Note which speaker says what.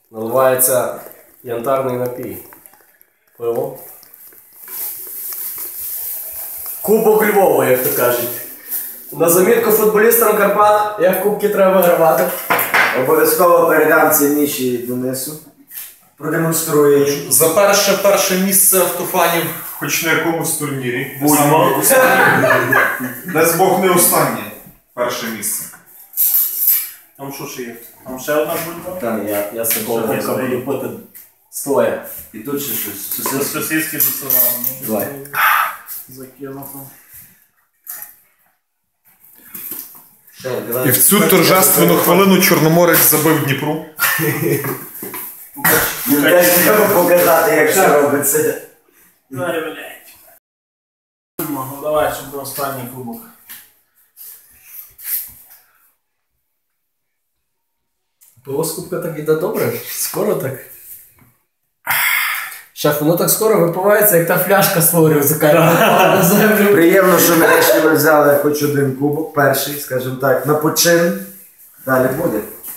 Speaker 1: Наливається янтарний напій. Пиво. Кубок Львова, як то кажуть. На замітку футболістам Карпат, як кубки треба вигравати.
Speaker 2: Обов'язково передам це Міші Денису. Продемонструю.
Speaker 3: За перше місце автофанів, хоч на якомусь турнірі.
Speaker 1: Будьмо.
Speaker 3: Дай Бог не останнє. Перше місце.
Speaker 4: Там що ще є? Там ще одна бульба?
Speaker 2: Там
Speaker 1: Я з такого кубка буду пити стоя.
Speaker 2: І тут ще щось.
Speaker 4: Це сосиски до села.
Speaker 2: Давай.
Speaker 4: Закинув.
Speaker 3: І в цю торжественну хвилину Чорноморець забив Дніпру.
Speaker 2: Теж треба показати, як це робиться.
Speaker 4: Давай, блядь. Ну давай, щоб до останній кубок.
Speaker 1: Пиво з кубка так іде добре? Скоро так? Шеф, воно так скоро випивається, як та фляжка створює за на землю.
Speaker 2: Приємно, що нарешті ми взяли хоч один кубок, перший, скажімо так, на почин. Далі буде.